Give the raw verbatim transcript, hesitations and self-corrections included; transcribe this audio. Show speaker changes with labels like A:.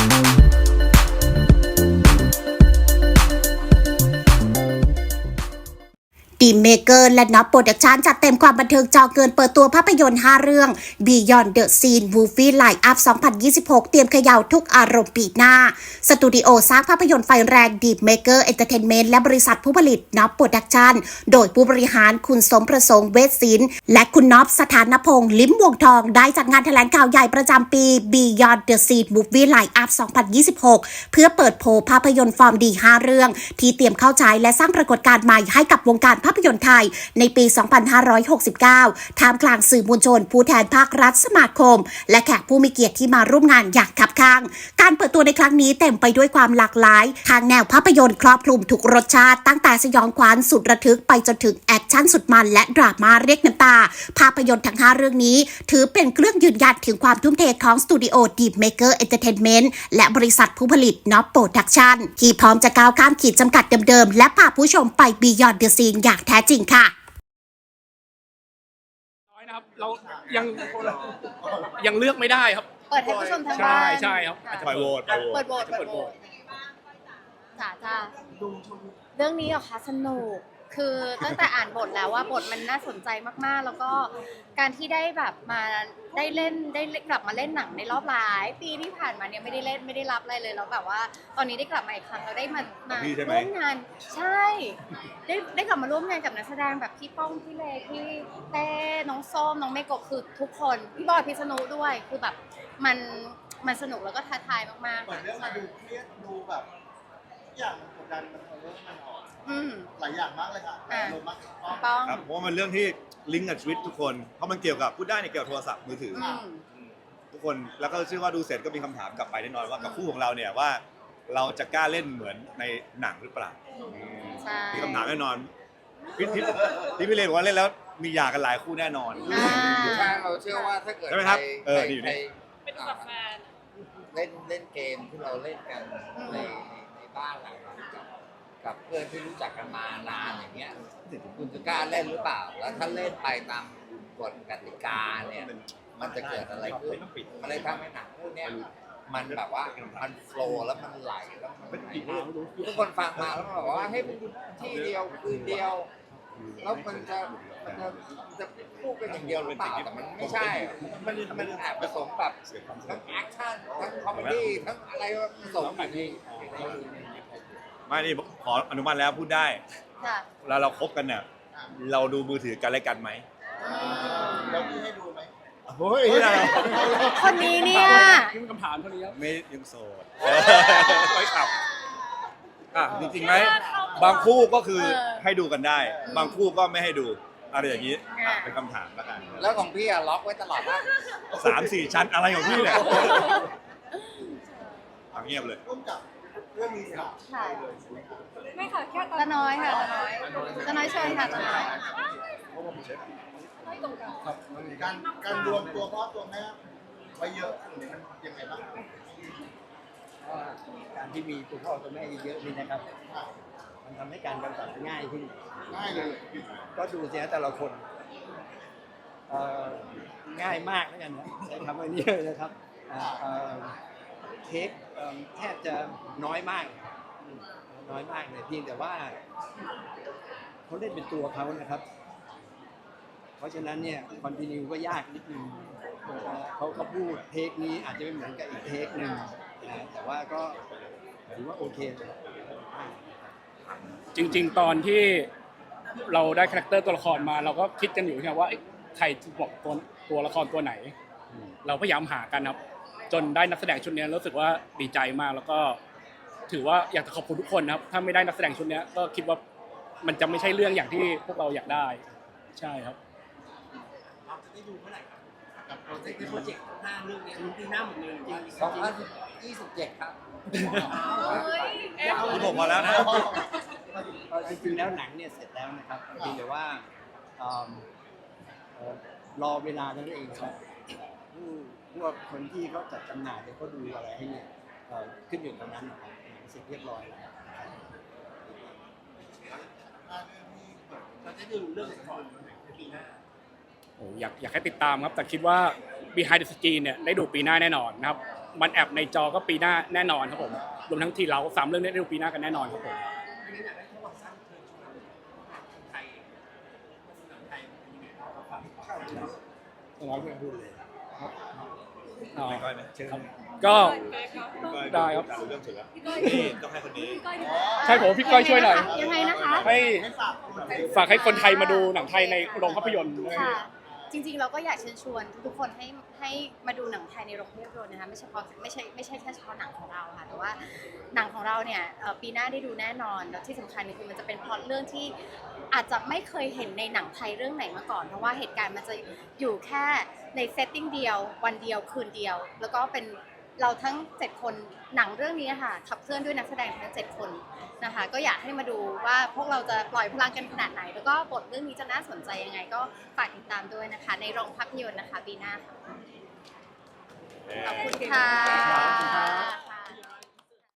A: ดีมเมเกอร์และน็อปโปรดักชั่นจัดเต็มความบันเทิงจอเกินเปิดตัวภาพยนตร์ห้าเรื่อง Beyond the Scene Movie Line-up สองพันยี่สิบหก เตรียมเขย่าทุกอารมณ์ปีหน้าสตูดิโอสร้างภาพยนตร์ไฟแรงดีมเมเกอร์เอนเตอร์เทนเมนต์และบริษัทผู้ผลิตน็อปโปรดักชั่นโดยผู้บริหารคุณสมประสงค์เวชศิลป์และคุณน็อปสถานพงษ์ลิ้มวงทองได้จัดงานแถลงข่าวใหญ่ประจำปี Beyond the Scene Movie Line-up สองพันยี่สิบหก เพื่อเปิดโผภาพยนตร์ฟอร์มดีห้าเรื่องที่เตรียมเข้าฉายและสร้างปรากฏการณ์ใหม่ให้กับวงการภาพยนตร์ไทยในปี สองพันห้าร้อยหกสิบเก้า ท่ามกลางสื่อมวลชนผู้แทนภาครัฐสมาคมและแขกผู้มีเกียรติที่มาร่วมงานอย่างคับข้างการเปิดตัวในครั้งนี้เต็มไปด้วยความหลากหลายทางแนวภาพยนตร์ครอบคลุมทุกรสชาติตั้งแต่สยองขวัญสุดระทึกไปจนถึงแอคชั่นสุดมันและดราม่าเรียกน้ำตาภาพยนตร์ทั้งห้าเรื่องนี้ถือเป็นเครื่องยืนยันถึงความทุ่มเทของสตูดิโอ Deep Maker Entertainment และบริษัทผู้ผลิต Nop Production ที่พร้อมจะก้าวข้ามขีดจำกัดเดิมๆและพาผู้ชมไป Beyond the Scene อย่างแท้จริงค่ะ
B: นะครับเรายังยังเลือกไม่ได้ครับ
C: เปิดให้ผู้ชมทางบ้าน
B: ใช่ครับอาจจะ
D: ปล่อยโหวต
C: เปิดโหวตเปิดโหวตจ้าจ้าเรื่องนี้เหรอคะสนุกคือตั้งแต่อ่านบทแล้วว่าบทมันน่าสนใจมากๆแล้วก็การที่ได้แบบมาได้เล่นได้กลับมาเล่นหนังในรอบหลายปีที่ผ่านมาเนี่ยไม่ได้เล่นไม่ได้รับอะไรเลยแล้วแบบว่าตอนนี้ได้กลับมาอีกครั้งเราได้มามาร่วมงานใช่ได้ได้กลับมาร่วมงานกับนักแสดงแบบพี่ป้องพี่เลพี่เต้น้องส้มน้องเมโกะคือทุกคนพี่บอยพิษณุด้วยคือแบบมันมันสนุกแล้วก็ท้าทายมากๆ
D: เหมือนเรื่องมาดูเครียดดูแบบอย่างกดดันมันเรื่องมันออกหลายอย่างมากเลยค่ะลงมาก
C: ป้อง
D: ครับเพราะว่ามันเรื่องที่ลิงก์กับชีวิตทุกคนเพราะมันเกี่ยวกับพูดได้เนี่ยเกี่ยวกับโทรศัพท์มือถือทุกคนแล้วก็เชื่อว่าดูเสร็จก็มีคำถามกลับไปแน่นอนว่ากับคู่ของเราเนี่ยว่าเราจะกล้าเล่นเหมือนในหนังหรือเปล่ามีคำถามแน่นอนพี่พี่ที่พี่เลบอกว่าเล่นแล้วมีหย่ากันหลายคู่แน่นอน
E: ใช่เราเชื่อว่าถ้าเกิด
D: ใช่ไหมครับเอออยู่นี่
E: เป็นกับแฟนเล่นเล่นเกมที่เราเล่นกันในในบ้านหลังกับเพื่อนที่รู้จักกันมานานอย่างเงี้ยคุณจะกล้าเล่นหรือเปล่าแล้วถ้าเล่นไปตามกฎกติกาเนี่ยมันจะเกิดอะไรขึ้นมันเลยทำให้หนังพวกนี้มันแบบว่ามันโฟล์แล้วมันไหลแล้วมันทุกคนฟังมาแล้วบอกว่าให้มันที่เดียวคืนเดียวแล้วมันจะมันจะจะพูดกันอย่างเดียวหรือเปล่าแต่มันไม่ใช่มันมันแอบผสมแบบทั้งแอคชั่นทั้งคอมเมดี้ทั้งอะไรผสมแบบนี้
D: ไม่นี่ขออนุมัติแล้วพูดได้แล้วเราคบกันเนี่ยเราดูมือถือกันและกันไหมเราพี่ให้ดูไหมโอ้ย
C: คนนี้เนี่ย
B: นี่มันคำถามเท่านี้ครับ
D: ไม่ยังโสดไม่ขับอ่ะจริงๆไหมบางคู่ก็คือให้ดูกันได้บางคู่ก็ไม่ให้ดูอะไรอย่างนี้เป็นคำถามแล้วกัน
E: แล้วของพี่อะล็อกไว้ตลอดว่า
D: สามสี่ชั้นอะไรของพี่เนี่ยเงียบเลย
C: เรื่องนี้ค่ะไม่ค่ะแค่ตาน้อยค่ะตาน้อยตาน้อยเชิญค่ะตาน้อย
D: การการรวมตัวพ่อตัวแม่ไว้เยอะหรือมันยังไงบ้าง
F: การที่มีตัวพ่อตัวแม่เยอะๆนี่นะครับมันทำให้การกำกับง่ายขึ้น
D: ง่ายเลย
F: ก็ดูเสียแต่ละคนง่ายมากแล้วกันนะใช้คำว่านี้เลยนะครับเทคแทบจะน้อยมากน้อยมากเลยเพียงแต่ว่าเขาเล่นเป็นตัวเขานะครับเพราะฉะนั้นเนี่ยคอนติเนียก็ยากนิดนึงเขาเขาพูดเทคนี้อาจจะไม่เหมือนกับอีกเทคหนึ่งนะแต่ว่าก็ถือว่าโอเค
B: จริงๆตอนที่เราได้คาแรคเตอร์ตัวละครมาเราก็คิดกันอยู่ครับว่าใครจะบอกตัวตัวละครตัวไหนเราพยายามหากันครับจนได้นักแสดงชุดนี้รู้สึกว่าดีใจมากแล้วก็ถือว่าอยากจะขอบคุณทุกคนนะครับถ้าไม่ได้นักแสดงชุดนี้ก็คิดว่ามันจะไม่ใช่เรื่องอย่างที่พวกเราอยากได้ใช่ครับ
F: เราจะได้ดูเมื่อไหร่ครับกับโปรเจกต์โปรเจกต์ห้าเรื่องนี้ปีหน้าหมดเลยจริง
E: สองพันยี่สิบเจ็ดครับ
D: คุณบอกมาแล้วนะ
F: จริงๆแล้วหนังเนี่ยเสร็จแล้วนะครับเพียงแต่ว่ารอเวลานั่นเองครับพวกคนที่เขาจัดจำหน่ายเนี่ยเขาดูอะไรให้เนี่ยขึ้นอยู่ตรงนั้นนะครับเสร็จเรียบร้อยแล้ว
E: เราจะดูเรื่องก่อนปีหน้า
B: โอ้อยากอยากให้ติดตามครับแต่คิดว่า Behind the Scene เนี่ยได้ดูปีหน้าแน่นอนนะครับมันแอบในจอก็ปีหน้าแน่นอนครับผมรวมทั้งทีเราสามเรื่องนี้ได้ดูปีหน้ากันแน่นอนครับผมร้อยเพื่อนพูดเลยอ๋อ
D: ไม่ก้อยไหมเชิญ
B: ก็
D: ก้อย
B: ได้ครับ
D: รู้เรื่องสุดแล้วนี่ต้องให้คนนี้
B: ใช่ผมพี่ก้อยช่วยหน่อย
C: ยังไงนะคะ
B: ให้ฝากให้คนไทยมาดูหนังไทยในโรงภาพยนตร์ด้วย
C: ค่ะ จริงๆเราก็อยากเชิญชวนทุกๆคนให้ให้มาดูหนังไทยในโรงภาพยนตร์นะคะไม่เฉพาะไม่ใช่ไม่ใช่แค่เฉพาะหนังของเราค่ะแต่ว่าหนังของเราเนี่ยเอ่อปีหน้าได้ดูแน่นอนแล้วที่สำคัญคือมันจะเป็นพล็อตเรื่องที่อาจจะไม่เคยเห็นในหนังไทยเรื่องไหนมาก่อนเพราะว่าเหตุการณ์มันจะอยู่แค่ในเซตติ้งเดียววันเดียวคืนเดียว แล้วก็เป็นเราทั้งเจ็ดคนหนังเรื่องนี้ค่ะขับเคลื่อนด้วยนักแสดงทั้งเจ็ดคนนะคะก็อยากให้มาดูว่าพวกเราจะปล่อยพลังกันขนาดไหน แล้วก็บทเรื่องนี้จะน่าสนใจยังไง ก็ฝากติดตามด้วยนะคะ ในโรงภาพยนตร์นะคะปีหน้าค่ะขอบคุณค่ะ